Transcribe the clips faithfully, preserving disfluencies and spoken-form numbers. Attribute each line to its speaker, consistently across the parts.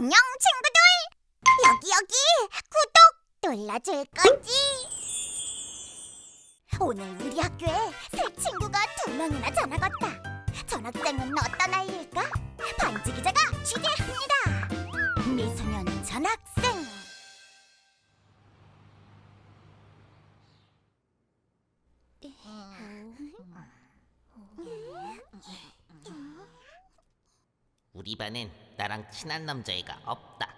Speaker 1: 안녕 친구들! 여기 여기 구독 눌러줄 거지? 오늘 우리 학교에 새 친구가 두 명이나 전학 왔다. 전학생은 어떤 아이일까? 반지 기자가 취재합니다. 미소년 전학생.
Speaker 2: 우리 반엔 나랑 친한 남자애가 없다.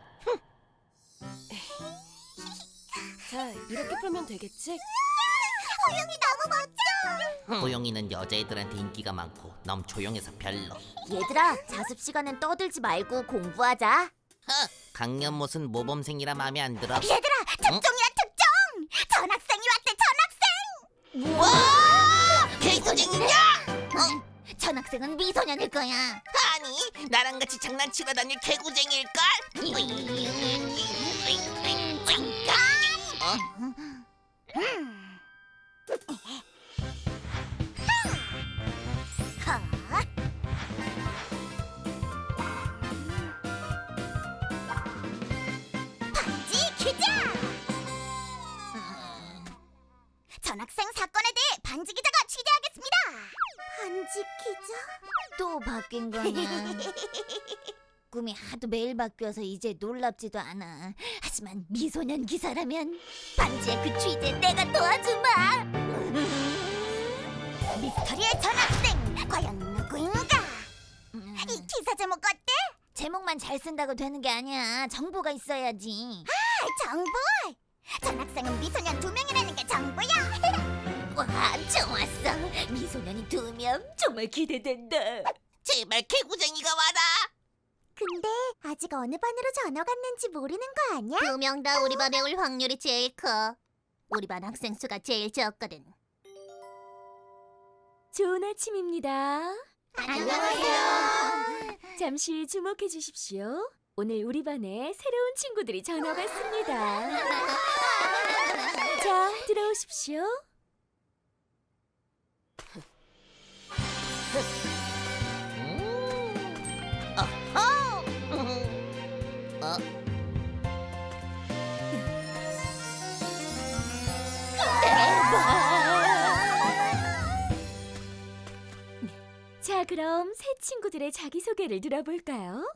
Speaker 3: 자, 이렇게 풀면 되겠지?
Speaker 1: 호영이 너무 멋져!
Speaker 2: 호영이는 여자애들한테 인기가 많고 너무 조용해서 별로.
Speaker 1: 얘들아, 자습 시간엔 떠들지 말고 공부하자.
Speaker 2: 허, 강연못은 모범생이라 마음에 안 들어.
Speaker 1: 얘들아, 특종이야 특종! 전학생이 왔대, 전학생!
Speaker 2: 와! 개구쟁이냐? 어?
Speaker 1: 전학생은 미소년일 거야.
Speaker 2: 아니, 나랑 같이 장난치러 다닐 개구쟁이일걸?
Speaker 1: 잠깐!
Speaker 2: 어?
Speaker 1: 반지 기자! 전학생 사건에 대해 반지 기자가 취재하겠습니다. 반지 기자? 또 바뀐 거냐? 꿈이 하도 매일 바뀌어서 이제 놀랍지도 않아. 하지만 미소년 기사라면 반지의 그 취재 내가 도와주마. 미스터리의 전학생 과연 누구인가? 이 기사 제목 어때? 제목만 잘 쓴다고 되는 게 아니야. 정보가 있어야지. 아, 정보? 전학생은 미소년 두 명이라는 게 정보야. 와, 좋았어. 미소년이 두 명 정말 기대된다.
Speaker 2: 제발 개구쟁이가 와라.
Speaker 1: 근데 아직 어느 반으로 전학 왔는지 모르는 거 아니야? 두 명 다 우리 반에 올 확률이 제일 커. 우리 반 학생 수가 제일 적거든.
Speaker 3: 좋은 아침입니다.
Speaker 1: 안녕하세요.
Speaker 3: 잠시 주목해 주십시오. 오늘 우리 반에 새로운 친구들이 전학 왔습니다. 자, 들어오십시오.
Speaker 2: 음. 어허. 어?
Speaker 3: 자, 그럼 새 친구들의 자기소개를 들어볼까요?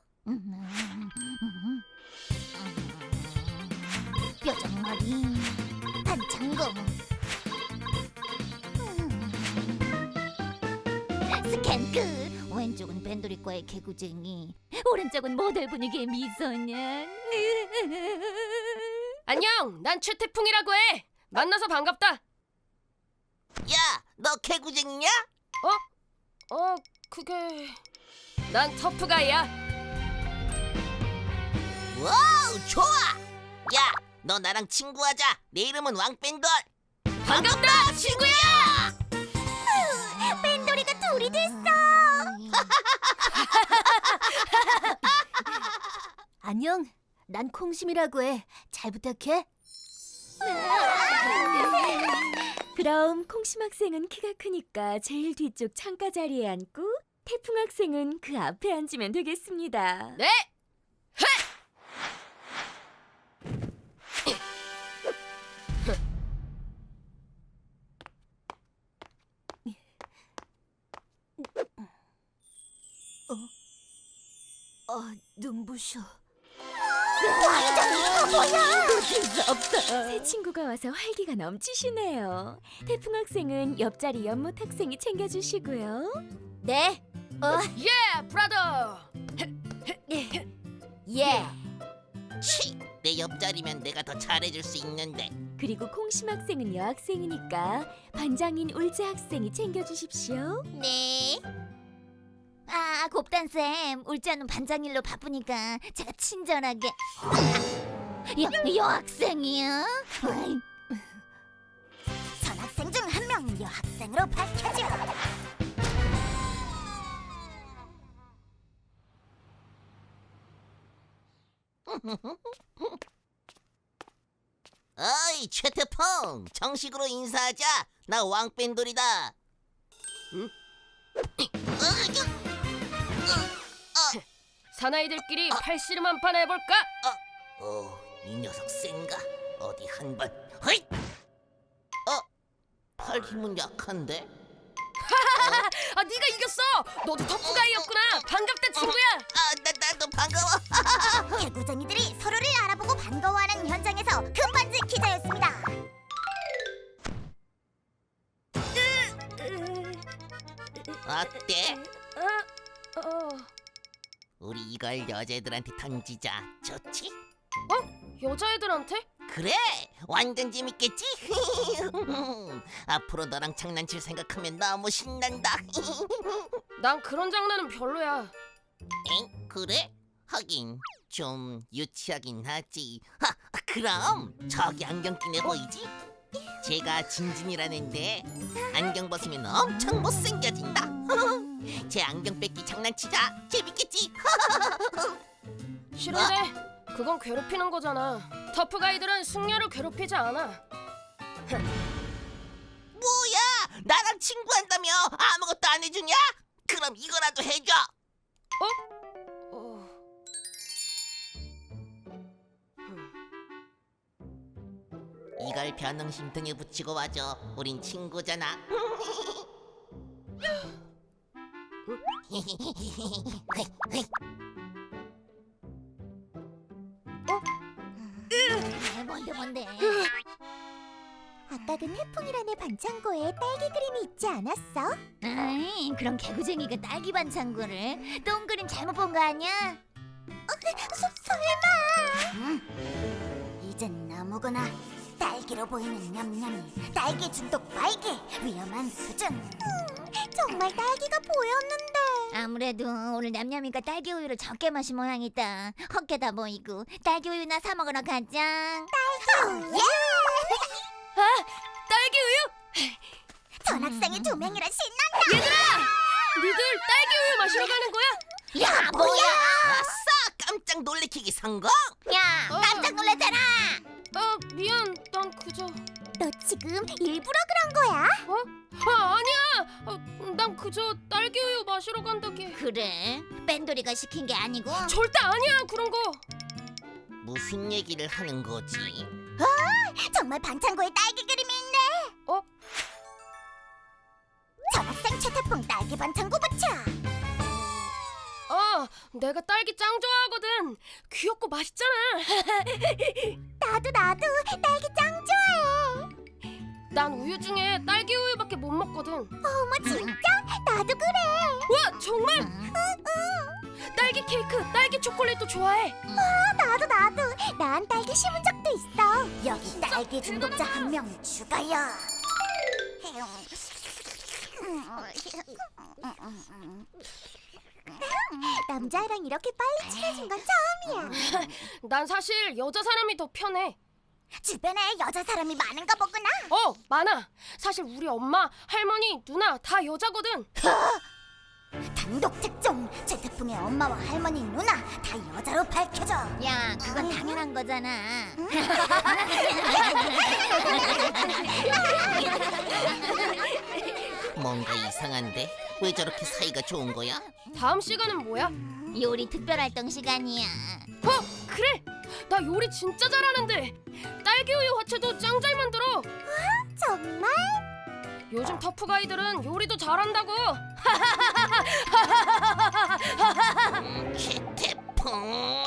Speaker 1: 뾰족머리 반창고 스캔크 왼쪽은 밴드리과의 개구쟁이 오른쪽은 모델 분위기의 미소년.
Speaker 3: 안녕, 난 최태풍이라고 해. 만나서 반갑다.
Speaker 2: 야, 너 개구쟁이냐?
Speaker 3: 어, 그게... 난 터프가이야.
Speaker 2: 와우, 좋아. 야, 너 나랑 친구하자. 내 이름은 왕뺀돌.
Speaker 3: 반갑다, 친구야!
Speaker 1: 밴돌이가 둘이 됐어. 안녕, 난 콩심이라고 해. 잘 부탁해.
Speaker 3: 그럼 콩심 학생은 키가 크니까 제일 뒤쪽 창가 자리에 앉고 태풍 학생은 그 앞에 앉으면 되겠습니다. 네!
Speaker 1: 어, 눈부셔.
Speaker 3: 새 친구가 와서 활기가 넘치시네요. 태풍 학생은 옆자리 연못 학생이 챙겨주시고요.
Speaker 1: 네. 어,
Speaker 3: 예, 브라더!
Speaker 1: 예.
Speaker 2: 치, 내 옆자리면 내가 더 잘해줄 수 있는데.
Speaker 3: 그리고 콩심 학생은 여학생이니까 반장인 울재 학생이 챙겨주십시오.
Speaker 1: 네. 아, 곱단쌤, 울자는 반장일로 바쁘니까 제가 친절하게. 여, 여학생이요? 전학생 중 한 명 여학생으로 밝혀져.
Speaker 2: 어이, 최태풍, 정식으로 인사하자. 나 왕뺀돌이다. 응?
Speaker 4: 사나이들끼리 팔씨름 한 판 해볼까?
Speaker 2: 어, 이 녀석 센가? 어디 한번 허잇! 어? 팔 힘은 약한데?
Speaker 4: 아, 네가 이겼어. 너도 터프가이였구나. 반갑다, 친구야.
Speaker 2: 아, 나, 나도 반가워.
Speaker 1: 개구쟁이들이 서로를 알아보고 반가워하는 현장에서 금반지 기자였습니다.
Speaker 2: 어때?
Speaker 4: 어, 어,
Speaker 2: 우리 이걸 여자애들한테 던지자. 좋지?
Speaker 4: 여자애들한테?
Speaker 2: 그래, 완전 재밌겠지? 앞으로 너랑 장난칠 생각하면 너무 신난다.
Speaker 4: 난 그런 장난은 별로야.
Speaker 2: 엥? 그래? 하긴 좀 유치하긴 하지. 하, 그럼 저기 안경 낀 애 보이지? 제가 진진이라는데 안경 벗으면 엄청 못생겨진다. 제 안경 뺏기 장난치자. 재밌겠지?
Speaker 4: 싫은데 그건 괴롭히는 거잖아. 터프가이들은 숙녀를 괴롭히지 않아.
Speaker 2: 뭐야? 나랑 친구한다며 아무것도 안 해주냐? 그럼 이거라도 해줘.
Speaker 4: 어...
Speaker 2: 이걸 변홍심 등에 붙이고 와줘. 우린 친구잖아.
Speaker 1: 아, 뭔데 뭔데? 아까 그 태풍이라는 반창고에 딸기 그림이 있지 않았어? 아이, 그럼 개구쟁이가 딸기 반창고를 똥 그림 잘못 본 거 아니야? 어, 서, 설마? 이젠 아무거나 딸기로 보이는 냠냠이 딸기 중독 발기 위험한 수준. 정말 딸기가 보였는데. 아무래도 오늘 냠냠이가 딸기 우유를 적게 마신 모양이다. 헛개다 보이고 딸기 우유나 사 먹으러 가자. 딸기 우유?
Speaker 4: 딸기 우유?
Speaker 1: 전학생이 두 명이라 신난다.
Speaker 4: 니들 딸기 우유 마시러 가는 거야?
Speaker 1: 야, 뭐야?
Speaker 2: 아싸! 깜짝 놀래키기 성공!
Speaker 1: 야,
Speaker 4: 어.
Speaker 1: 깜짝 놀랐잖아.
Speaker 4: 아, 미안. 난 그저...
Speaker 1: 너 지금 일부러 그런 거야?
Speaker 4: 어? 아, 아니야. 어, 난 그저 딸기 우유 마시러 간다게.
Speaker 1: 그래? 뺀돌이가 시킨 게 아니고?
Speaker 4: 절대 아니야, 그런 거.
Speaker 2: 무슨 얘기를 하는 거지?
Speaker 1: 정말 반창고에 딸기 그림이 있네.
Speaker 4: 어?
Speaker 1: 전학생 최태풍 딸기 반창고 붙여.
Speaker 4: 아, 내가 딸기 짱 좋아하거든. 귀엽고 맛있잖아.
Speaker 1: 나도 나도 딸기 짱 좋아해.
Speaker 4: 난 우유 중에 딸기 우유밖에 못 먹거든.
Speaker 1: 어머 진짜? 나도 그래.
Speaker 4: 와, 정말? 딸기 케이크, 딸기 초콜릿도 좋아해.
Speaker 1: 아, 나도 나도. 난 딸기 심은 적도 있어. 여기 딸기 중독자 한 명 추가요. 남자애랑 이렇게 빨리 친해진 건 처음이야.
Speaker 4: 난 사실 여자 사람이 더 편해.
Speaker 1: 주변에 여자 사람이 많은가 보구나.
Speaker 4: 어, 많아. 사실 우리 엄마, 할머니, 누나 다 여자거든.
Speaker 1: 단독 특종! 최태풍의 엄마와 할머니, 누나 다 여자로 밝혀져. 야, 그건 당연한 거잖아.
Speaker 2: 뭔가 이상한데? 왜 저렇게 사이가 좋은 거야?
Speaker 4: 다음 시간은 뭐야?
Speaker 1: 요리 특별활동 시간이야.
Speaker 4: 어, 그래. 나 요리 진짜 잘하는데. 딸기 우유 화채도 짱 잘 만들어.
Speaker 1: 정말?
Speaker 4: 요즘 터프가이들은 요리도 잘한다고.
Speaker 2: 음, 최태풍.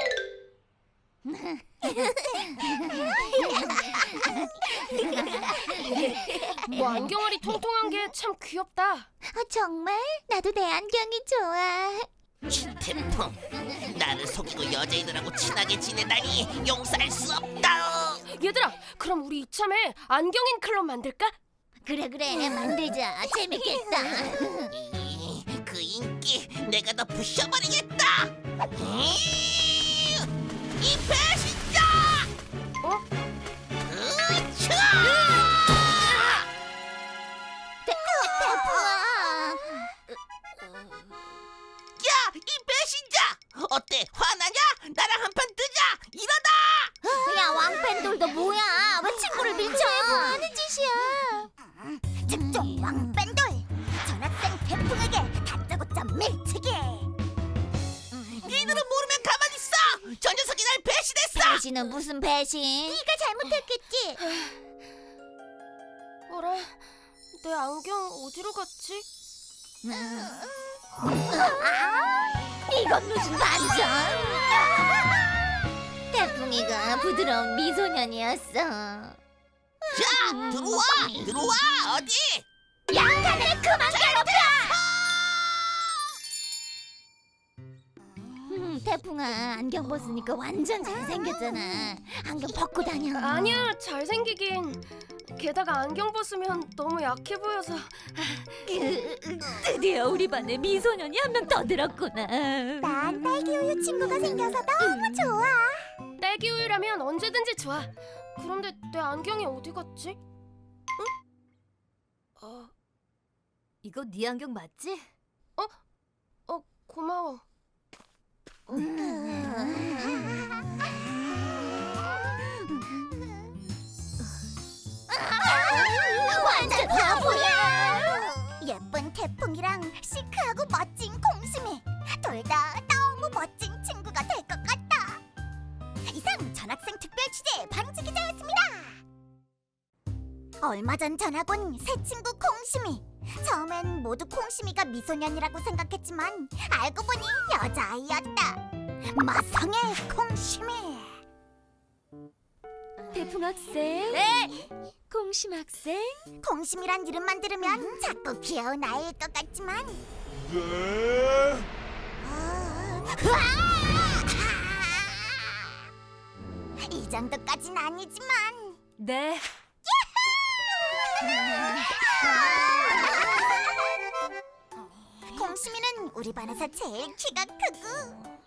Speaker 4: 뭐 안경알이 통통한 게 참 귀엽다.
Speaker 1: 아, 정말? 나도 내 안경이 좋아.
Speaker 2: 최태풍. 나를 속이고 여자애들하고 친하게 지내다니 용서할 수 없다.
Speaker 4: 얘들아, 그럼 우리 이참에 안경인 클럽 만들까?
Speaker 1: 그래 그래, 만들자. 재밌겠다.
Speaker 2: 이, 그 인기 내가 다 부셔버리겠다. 이, 이 배신자!
Speaker 4: 어?
Speaker 2: 으차!
Speaker 1: 태풍아.
Speaker 2: 야, 이 배신자! 어때? 화나냐? 나랑 한판 뜨자! 이러다!
Speaker 1: 야, 왕팬돌도 뭐야? 왜 친구를 밀쳐? 뭐 하는 짓이야? 특종 왕팬돌! 전학생 태풍에게 다짜고짜 밀치기!
Speaker 2: 모르면 가만히 있어. 저 녀석이 날 배신했어.
Speaker 1: 배신은 무슨 배신? 네가 잘못했겠지.
Speaker 4: 어라, 내 안경 어디로 갔지?
Speaker 1: 이건 무슨 반전? 태풍이가 부드러운 미소년이었어.
Speaker 2: 자, 들어와, 들어와. 어디?
Speaker 1: 양간을 그만 괴롭혀! 음, 태풍아, 안경 벗으니까 완전 잘생겼잖아. 안경 벗고 다녀.
Speaker 4: 아니야, 잘생기긴. 게다가 안경 벗으면 너무 약해 보여서.
Speaker 3: 드디어 우리 반에 미소년이 한 명 더 들었구나.
Speaker 1: 난 딸기 우유 친구가 생겨서 너무 좋아.
Speaker 4: 딸기 우유라면 언제든지 좋아. 그런데 내 안경이 어디 갔지? 응? 어,
Speaker 3: 이거 네 안경 맞지?
Speaker 4: 어, 고마워.
Speaker 1: 완전 바보야. 예쁜 태풍이랑 시크하고 멋진 콩심이 둘 다 너무 멋진 친구가 될 것 같다. 이상 전학생 특별 취재 방지 기자였습니다. 얼마 전 전학 온 새 친구 콩심이. 처음엔 모두 콩심이가 미소년이라고 생각했지만 알고 보니 여자아이였다. 마성의 콩심이.
Speaker 3: 태풍 학생.
Speaker 1: 네.
Speaker 3: 콩심 학생.
Speaker 1: 콩심이란 이름만 들으면 자꾸 귀여운 아이일 것 같지만 이 정도까진 아니지만
Speaker 3: 네.
Speaker 1: 콩심이는 우리 반에서 제일 키가 크고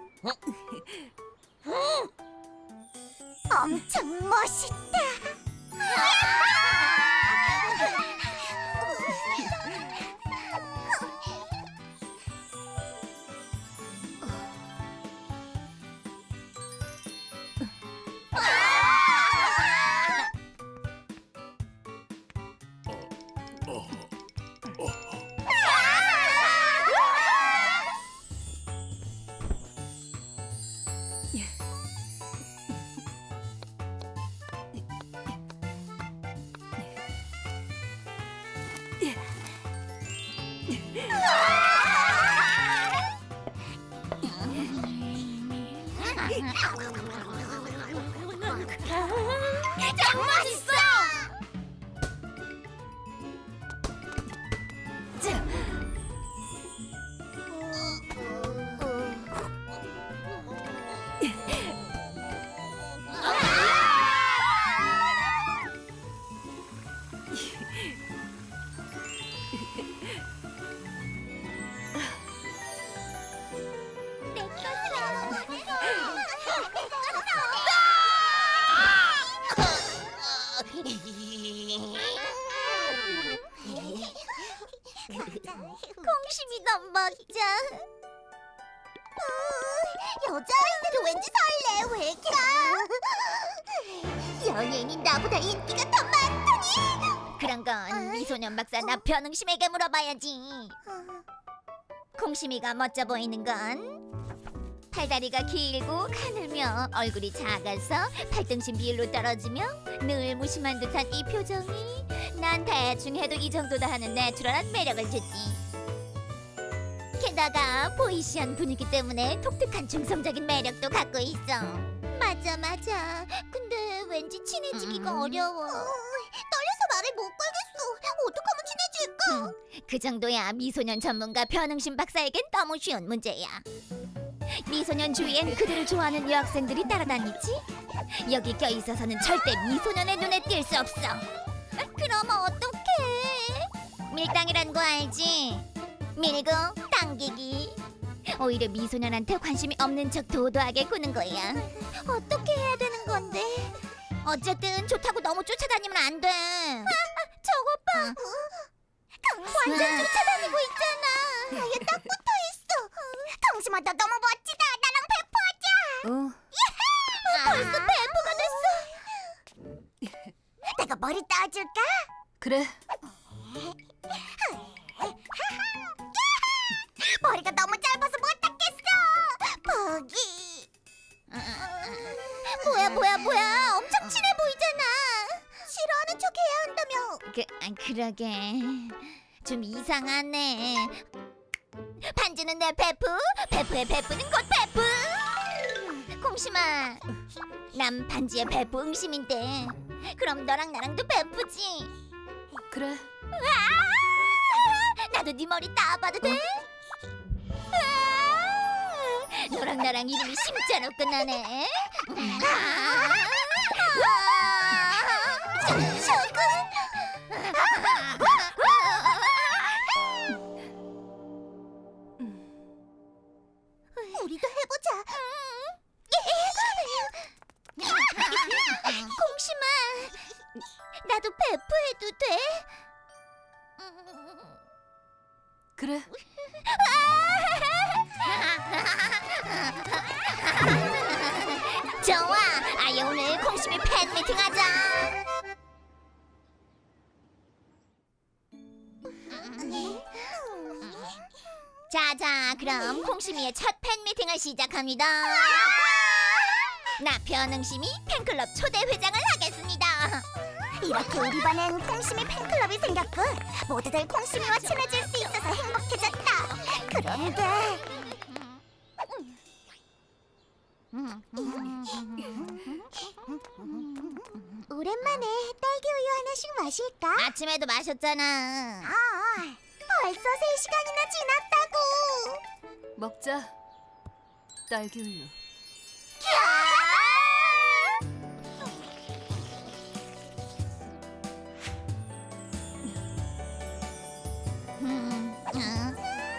Speaker 1: 엄청 멋있다. 짱 맛있어. 콩심이 너무 멋져. 여자아이들은 왠지 설레. 왜 이렇게? 연예인이 나보다 인기가 더 많더니. 그런 건 미소년 박사 나 변응심에게 물어봐야지. 콩심이가 멋져 보이는 건 팔다리가 길고 가늘며 얼굴이 작아서 팔등신 비율로 떨어지며 늘 무심한 듯한 이 표정이 난 대충 해도 이 정도다 하는 내추럴한 매력을 주지. 게다가 보이시한 분위기 때문에 독특한 중성적인 매력도 갖고 있어. 맞아 맞아. 근데 왠지 친해지기가
Speaker 2: 음.
Speaker 1: 어려워. 떨려서 말을 못 걸겠어. 어떡하면 친해질까? 그 정도야 미소년 전문가 변응심 박사에겐 너무 쉬운 문제야. 미소년 주위엔 그들을 좋아하는 여학생들이 따라다니지. 여기 껴있어서는 절대 미소년의 눈에 띌 수 없어. 그럼 어떡해? 밀당이란 거 알지? 밀고 당기기. 오히려 미소년한테 관심이 없는 척 도도하게 구는 거야. 어떻게 해야 되는 건데? 어쨌든 좋다고 너무 쫓아다니면 안 돼. 아, 저것 봐. 완전 쫓아다니고 있잖아. 아예 딱 붙어있어. 강심아 너 너무 멋지다. 나랑 배포하자.
Speaker 3: 어.
Speaker 1: 벌써 배포가 됐어. 내가 머리 따줄까?
Speaker 3: 그래.
Speaker 1: 머리가 너무 짧아서 못 닦겠어. 뭐야 뭐야 엄청 친해 보이잖아. 싫어하는 척 해야 한다며. 그, 아, 그러게 좀 이상하네. 반지는 내 베프, 베프의 베프는 곧 베프. 콩심아, 난 반지의 베프 응심인데 그럼 너랑 나랑도 베프지.
Speaker 3: 그래.
Speaker 1: 아, 나도 네 머리 따봐도 돼? 아, 너랑 나랑 이름이 심자로 끝나네. 아, 쇼군. 우리도 해보자. 콩심아, 나도 베프해도 돼?
Speaker 3: 그래.
Speaker 1: 좋아, 아예 오늘 콩심이 팬 미팅 하자. 자자, 그럼 콩심이의 첫 팬 미팅을 시작합니다. 나 변응심이 팬클럽 초대 회장을 하겠습니다. 이렇게 우리 반엔 콩심이 팬클럽이 생겼고 모두들 콩심이와 친해질 수 있어서 행복해졌다. 그런데 오랜만에 딸기 우유 하나씩 마실까? 아침에도 마셨잖아. 아, 벌써 세 시간이나 지났다고.
Speaker 3: 먹자. 딸기 우유.
Speaker 1: 음, 음.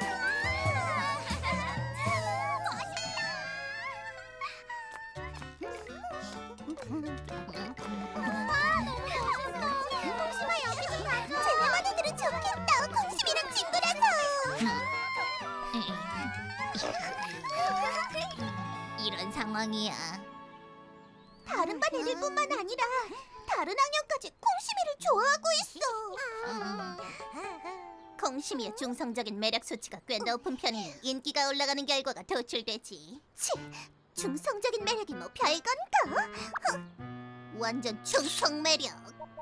Speaker 1: 쟤네만이들은 좋겠다. 콩심이랑 친구라서. 이런 상황이야. 다른 반 애들뿐만 아니라 다른 학년까지 콩심이를 좋아하고 있어. 콩심이의 중성적인 매력 수치가 꽤 높은 편이니 인기가 올라가는 결과가 도출되지. 치, 중성적인 매력이 뭐 별건가? 흥, 완전 중성 매력.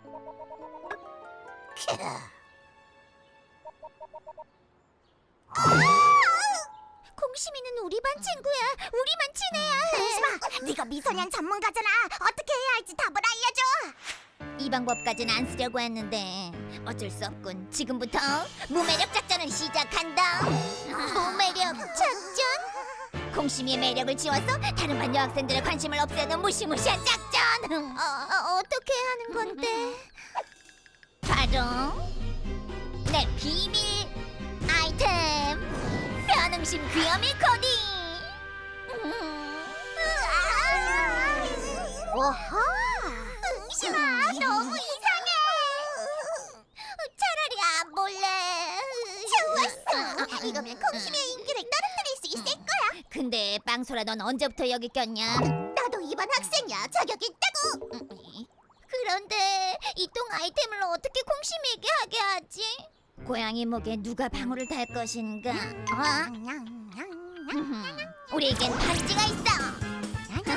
Speaker 1: 콩심이는 우리 반 친구야. 우리만 친해야 해. 콩심아, 네가 미소년 전문가잖아. 어떻게 해야 할지 답을 알려줘. 이 방법까지는 안 쓰려고 했는데 어쩔 수 없군. 지금부터 무매력 작전을 시작한다. 무매력 작전? 콩심이의 매력을 지워서 다른 반 여학생들의 관심을 없애는 무시무시한 작전. 어, 어, 어떻게 하는 건데? 바로 내 비밀 아이템 변응심 귀요미 코딩. 오호, 응심아 너무 이상해. 차라리 안 볼래. 좋았어. 이거면 콩심이의 인기를 떨어뜨릴 수 있을 거야. 근데 빵소라 넌 언제부터 여기 꼈냐? 나도 이반 학생이야. 자격이 있다고. 그런데 이 똥 아이템을 어떻게 콩심이에게 하게 하지? 고양이 목에 누가 방울을 달 것인가? 어? 우리에겐 반지가 있어.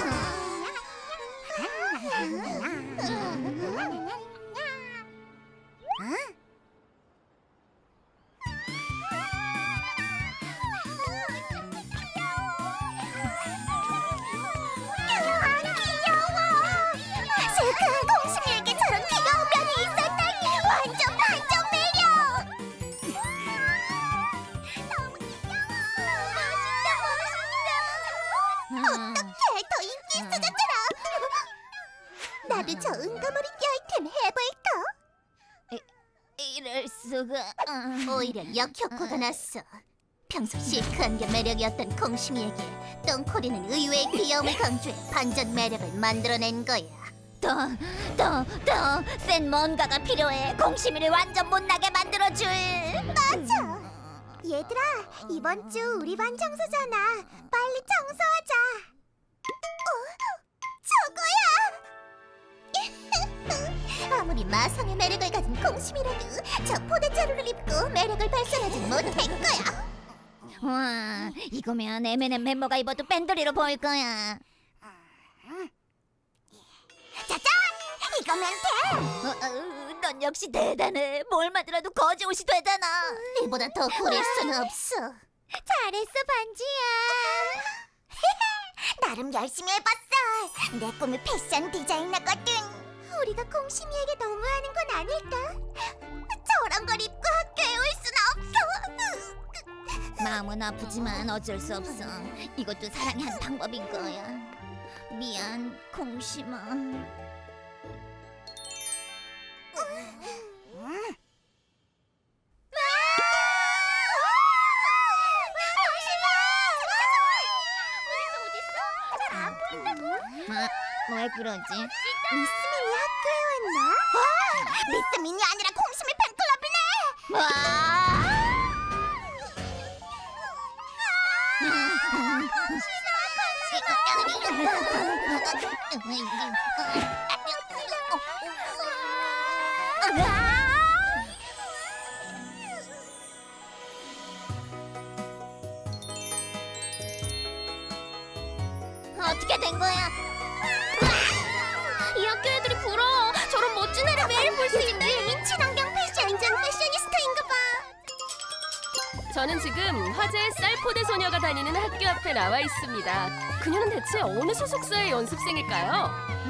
Speaker 1: 슬픈 콩심이에게 저런 귀여운 면이 있었다니 완전 반전 매력. 너무 귀여워. 멋있다 멋있다. 어떡해, 더 인기 있어졌잖아. 나도 저 은가머리 아이템 해볼까? 이럴 수가. 오히려 역효과가 났어. 평소 시크한 게 매력이었던 콩심이에게 똥코리는 의외의 귀여움을 강조해 반전 매력을 만들어낸 거야. 더, 더, 더 센 뭔가가 필요해. 콩심이를 완전 못나게 만들어줄. 맞아. 얘들아, 이번 주 우리 반 청소잖아. 빨리 청소하자. 어, 저거야. 아무리 마성의 매력을 가진 콩심이라도 저 포대자루를 입고 매력을 발산하지 못할 거야. 와, 이거면 엠앤엠 멤버가 입어도 밴더리로 보일 거야. 짜잔! 이거면 돼! 어, 어, 넌 역시 대단해. 뭘 만들어도 거지옷이 되잖아. 이보다 더 꾸릴 수는 없어. 잘했어, 반지야. 나름 열심히 해봤어. 내 꿈이 패션 디자이너거든. 우리가 콩심이에게 너무하는 건 아닐까? 저런 걸 입고 학교에 올 순 없어. 마음은 아프지만 어쩔 수 없어. 이것도 사랑의 한 방법인 거야. 미안, 콩심아. 왜 그러지? 미스민이 학교에 왔나? 와! 미스민이 아니라 콩심이 팬클럽이네! 와! 어떻게 된 거야?
Speaker 4: 이 학교 애들이 부러워. 저런 멋진 애를 매일 볼 수 있네.
Speaker 1: 친환경 패션 완전 패셔니스타인가 봐.
Speaker 4: 저는 지금 화제의 쌀포대 소녀가 다니는 학교 앞에 나와 있습니다. 그녀는 대체 어느 소속사의 연습생일까요?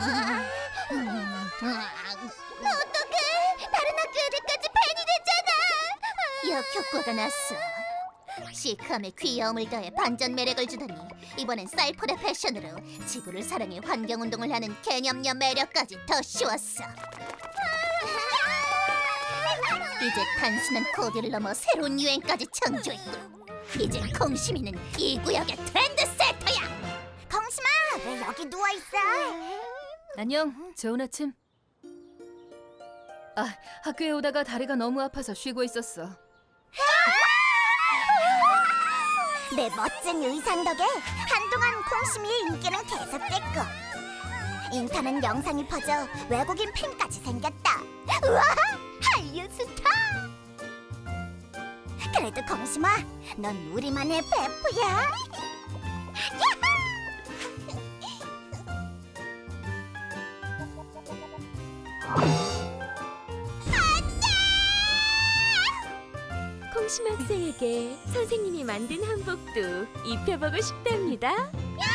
Speaker 1: 어떡해! 다른 학교 애들까지 팬이 됐잖아! 역효과가 났어. 시크함에 귀여움을 더해 반전 매력을 주더니 이번엔 쌀포대 패션으로 지구를 사랑해 환경운동을 하는 개념녀 매력까지 더 씌웠어. 이제 단순한 코디를 넘어 새로운 유행까지 창조했군. 이제 콩심이는 이 구역의 트렌드 세터야. 콩심아, 왜 여기 누워있어?
Speaker 5: 안녕, 좋은 아침. 아, 학교에 오다가 다리가 너무 아파서 쉬고 있었어.
Speaker 1: 내 멋진 의상 덕에 한동안 콩심이의 인기는 계속됐고 인터넷 영상이 퍼져 외국인 팬까지 생겼다. 우와! 한류 스타! 그래도 콩심아, 넌 우리만의 베프야.
Speaker 3: 콩심 학생에게 선생님이 만든 한복도 입혀보고 싶답니다.